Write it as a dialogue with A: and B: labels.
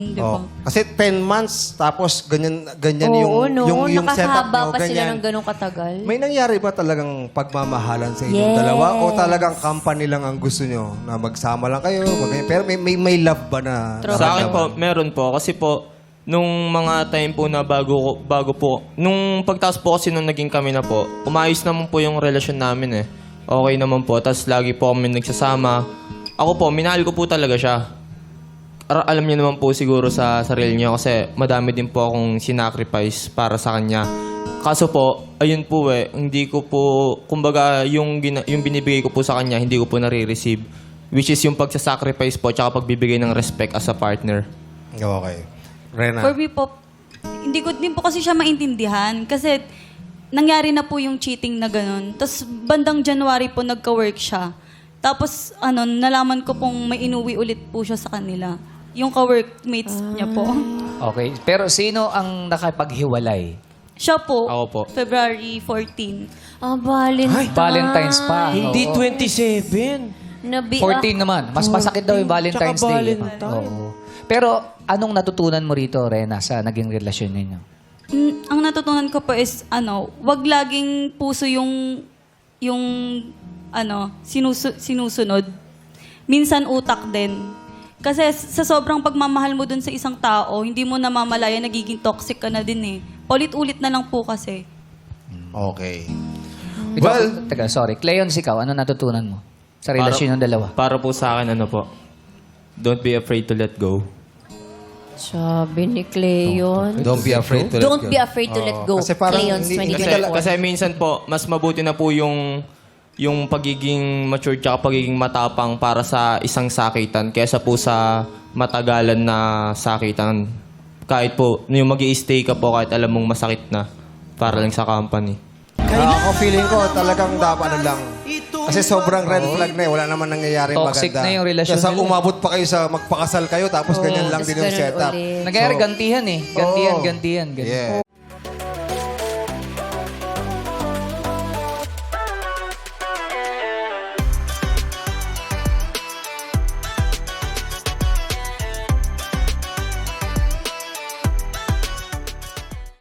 A: Di
B: Oh.
A: ba?
B: Kasi 10 months, tapos ganyan
C: Oo,
B: yung setup
C: nakahaba
B: nyo,
C: pa sila
B: ganyan.
C: ng ganong katagal.
B: May nangyari ba talagang pagmamahalan sa inyong
C: Yes.
B: dalawa? O talagang company lang ang gusto nyo? Na magsama lang kayo? Pero may love ba na?
D: Sa akin po,
B: naramdaman?
D: meron po. Kasi po, nung mga time po na bago po, nung pagtaas po kasi nung naging kami na po, umayos naman po yung relasyon namin eh. Okay naman po. Tapos lagi po kami nagsasama. Ako po, minahal ko po talaga siya. Alam niyo naman po siguro sa sarili niyo kasi madami din po akong sinacrifice para sa kanya. Kaso po, ayun po hindi ko po, kumbaga yung binibigay ko po sa kanya, hindi ko po nare-receive. Which is yung pagsasacrifice po tsaka pagbibigay ng respect as a partner.
B: Okay. Rena.
A: For me po, hindi ko din po kasi siya maintindihan. Kasi nangyari na po yung cheating na ganun. Tapos bandang January po nagka-work siya. Tapos nalaman ko pong may inuwi ulit po siya sa kanila. Yung ka-workmates niya po.
E: Okay. Pero sino ang nakapaghiwalay?
A: Siya po,
D: Ako po.
A: February 14.
C: Ah, Valentine.
E: Valentine's pa.
F: Hindi
E: Oo.
F: 27.
E: 14 naman. Mas masakit daw yung Valentine's
F: Tsaka
E: Day.
F: Valentine.
E: Oo. Pero anong natutunan mo rito, Rena, sa naging relasyon ninyo?
A: Ang natutunan ko po is, wag laging puso yung sinusunod. Minsan utak din. Kasi sa sobrang pagmamahal mo dun sa isang tao, hindi mo namamalaya, nagiging toxic ka na din eh. Paulit-ulit na lang po kasi.
B: Okay.
E: Ikaw, teka, sorry. Cleon, ikaw, ano natutunan mo sa relasyon ng dalawa?
D: Para po sa akin, don't be afraid to let go.
C: Sabi ni Cleon.
B: Don't be afraid to let
C: Don't
B: go.
C: be afraid to let go.
B: Kasi parang
C: Cleon's
B: hindi
C: 2024.
D: Kasi minsan po, mas mabuti na po yung pagiging mature tsaka pagiging matapang para sa isang sakitan kaysa po sa matagalan na sakitan. Kahit po, yung mag-i-stay ka po kahit alam mong masakit na para lang sa company.
B: Ako feeling ko talagang dapat lang. Kasi sobrang red flag na eh. Wala naman nangyayaring
E: Toxic
B: maganda.
E: na yung relasyon
B: Kaya
E: nila.
B: umabot pa kayo sa magpakasal kayo tapos ganyan lang
C: Tapos
B: din yung
C: ganun
B: setup.
C: ulit.
E: Nagyayari gantihan eh.
B: Oo.
E: Gantihan.
B: Yes.